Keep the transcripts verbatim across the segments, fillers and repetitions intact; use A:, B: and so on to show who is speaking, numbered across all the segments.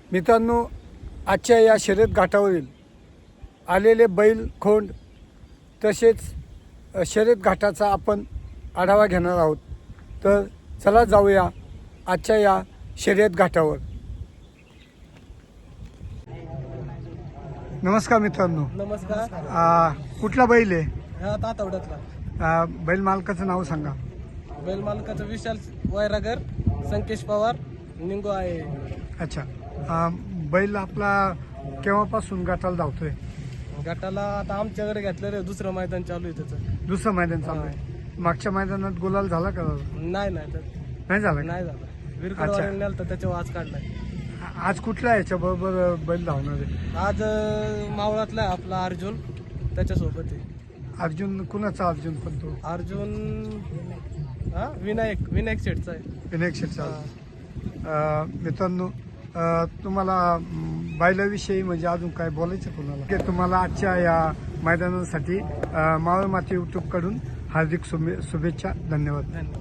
A: मित्रांनो, आजच्या या शर्यत घाटावरील आलेले बैल खोंड तसेच शर्यत घाटाचा आपण आढावा घेणार आहोत. तर चला जाऊया आजच्या या शर्यत घाटावर. नमस्कार मित्रांनो.
B: नमस्कार.
A: आ, कुठला बैल आहे?
B: हा तातवड्यातला.
A: आ, बैल मालकाचं नाव सांगा.
B: बैल मालकाचं विशाल वैरागर, संकेश पवार, निंगो आहे.
A: अच्छा. आ, बैल आपला केव्हापासून गटाला धावतोय?
B: गटाला आता आमच्याकडे घेतलं रे, दुसरं मैदान चालू आहे त्याचं.
A: दुसरं मैदान चालू आहे. मागच्या मैदानात गुलाल झाला का?
B: नाही नाही तर
A: नाही झाला का?
B: नाही झालं. विरकडवाडीला नेलं तर त्याच्यावर आज काढलाय.
A: आज कुठला याच्या बरोबर बैल धावणार आहे?
B: आज अं, मावळातला आहे आपला अर्जुन, त्याच्यासोबत आहे.
A: अर्जुन कुणाचा? अर्जुन पण तो
B: अर्जुन हा विनायक विनायक शेठचा आहे.
A: विनायक शेटचा.
B: हा.
A: मित्रांनो, अ, तुम्हाला म, बैलाविषयी म्हणजे अजून काय बोलायचं कोणाला? की तुम्हाला आजच्या या मैदानासाठी अ, मावळ माती यूट्यूब कडून हार्दिक शुभे शुभेच्छा. धन्यवाद.
B: धन्यवाद.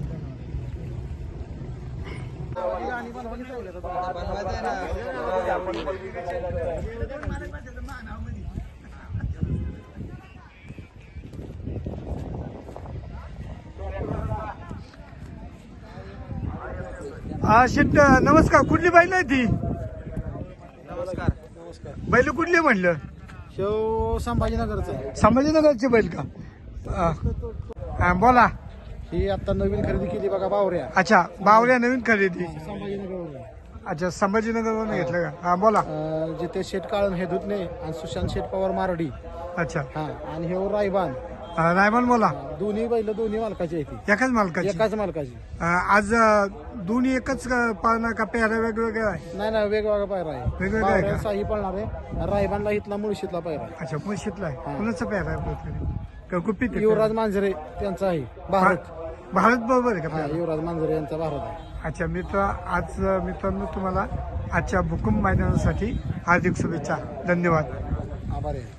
A: हा शेट, नमस्कार. कुठली बैल आहे ती?
B: नमस्कार. नमस्कार.
A: बैल कुठली म्हणलं?
B: शेव संभाजीनगरचा.
A: संभाजीनगरचे बैल का? अ, हा, बोला.
B: ही आता नवीन खरेदी केली बघा बावऱ्या.
A: अच्छा, बावऱ्या नवीन खरेदी.
B: संभाजीनगर
A: अच्छा, संभाजीनगरवरून घेतलं का? हा, बोला.
B: जिथे शेठ काळम हे धुतणे आणि सुशांत शेठ पवार मारडी.
A: अच्छा.
B: हा. आणि हे रायबान.
A: अ, रायमान बोला.
B: दोन्ही बैल दोन्ही मालकाची आहे.
A: एकाच मालकाची?
B: एकाच मालकाची.
A: अ, आज अ, दोन्ही एकच पाळणार का? पेहऱ्या वेगवेगळ्या आहे?
B: नाही नाही वेगवेगळा पायरा आहे.
A: वेगवेगळा आहे का?
B: बावऱ्या साही पळणार आहे. रायबानला इथला मुळशीतला पायरा आहे.
A: अच्छा, मुळशीतला आहे.
B: हा.
A: कुणाचा पेहरा आहे आपल्याकडे? का गुपित आहे?
B: युवराज मांजरे त्यांचा आहे. भारत.
A: भारत बरोबर आहे का
B: हा,
A: पेहरा?
B: युवराज मांजरे यांचा भारत आहे.
A: अच्छा मित्र, आज मित्रांनो तुम्हाला आजच्या भूकंप मैदानासाठी हार्दिक शुभेच्छा. धन्यवाद.
B: आभार आहे.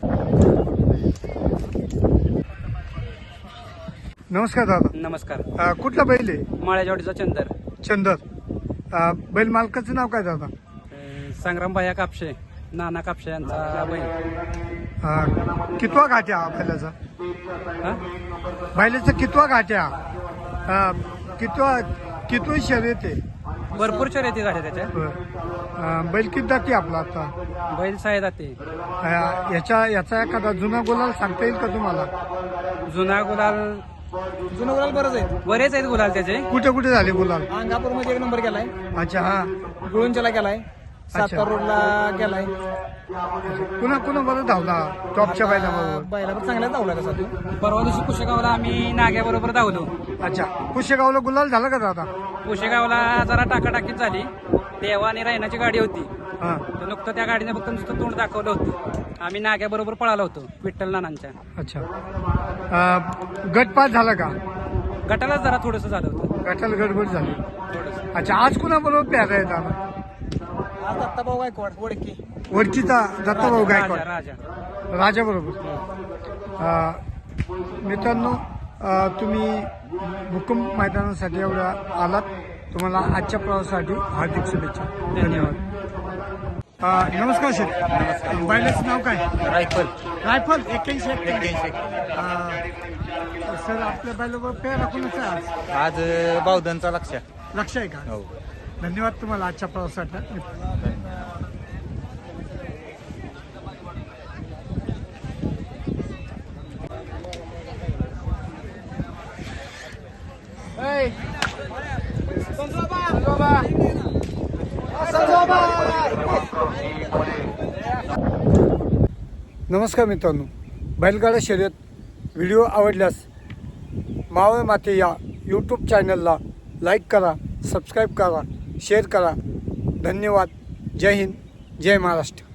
A: नमस्कार दादा.
C: नमस्कार.
A: अ, कुठला बैल आहे?
C: माळ्याजवळचा चंदर.
A: चंदर. अ, बैल मालकाचं नाव काय दादा?
C: अं, संग्राम भैया कापशे, नाना कापशे यांचा बैल.
A: अ, कितवा घाट आहे हा बैलाचा?
C: हा?
A: बैलाचा कितवा घाट आहे हा? अ, कितवा कितवी शर्यत आहे?
C: भरपूर शर्यती झाल्या त्याच्या.
A: अ, बैल किती जाती आपला आता?
C: बैल साहे जाते.
A: अ, याच्या याचा एखादा जुना गुलाल सांगता येईल का तुम्हाला?
C: जुना गुलाल
B: जुनं गुलाल बरंच आहे.
C: बरेच आहेत गुलाल त्याचे.
A: कुठे कुठे झाले गुलाल?
B: अंगापूर मध्ये एक नंबर गेलाय.
A: अच्छा. हा.
B: गुळूंच्याला गेलाय. सातार रोडला गेलाय.
A: कुणा कुणा बरोबर धावला टॉपच्या बैलाबरोबर?
B: बैलावर चांगला धावला तसा तो.
C: परवा दिवशी कुशेगावला आम्ही नाग्याबरोबर धावलो.
A: अच्छा. कुशेगावला गुलाल झाला का दादा?
C: कुशेगावला जरा टाकाटाकीत झाली. देवा आणि रायनाची गाडी होती.
A: हा.
C: तर नुकतं त्या गाडीने फक्त नुसतं तोंड दाखवलं होतं. आम्ही नाग्याबरोबर पळालो होतो विठ्ठल नानांच्या.
A: अच्छा. अ, गटपात झाला का?
C: गटालाच जरा थोडंसं झालं होतं.
A: गटाला गडबड झाली.
C: थोडंसं.
A: अच्छा. आज कुणा बरोबर प्यारा आहे दादा?
B: आज दत्ताभाऊ गायकवाड ओळखी.
A: वडकीचा दत्ताभाऊ
C: राजा
A: गायकवाड
C: राजा.
A: राजा बरोबर. मित्रांनो, अ, तुम्ही भूकंप मैदानासाठी एवढ्या आलात. तुम्हाला आजच्या प्रवासासाठी हार्दिक शुभेच्छा. धन्यवाद. अ, नमस्कार शेठ. बैलाचं नाव काय?
C: रायफल.
A: रायफल एक्क्याऐंशी एक्क्याऐंशी. सर, आपल्या बैलाबरोबर पेरा कुणाचा आहे आज?
C: आज बावधनचा लक्ष.
A: लक्ष आहे का?
C: हो.
A: धन्यवाद तुम्हाला आजच्या प्रवासासाठी. नमस्कार मित्रांनो, बैलगाडा शर्यत व्हिडिओ आवडल्यास मावळ माते या यूट्यूब चॅनलला लाईक करा, सबस्क्राईब करा, शेअर करा. धन्यवाद. जय हिंद, जय महाराष्ट्र.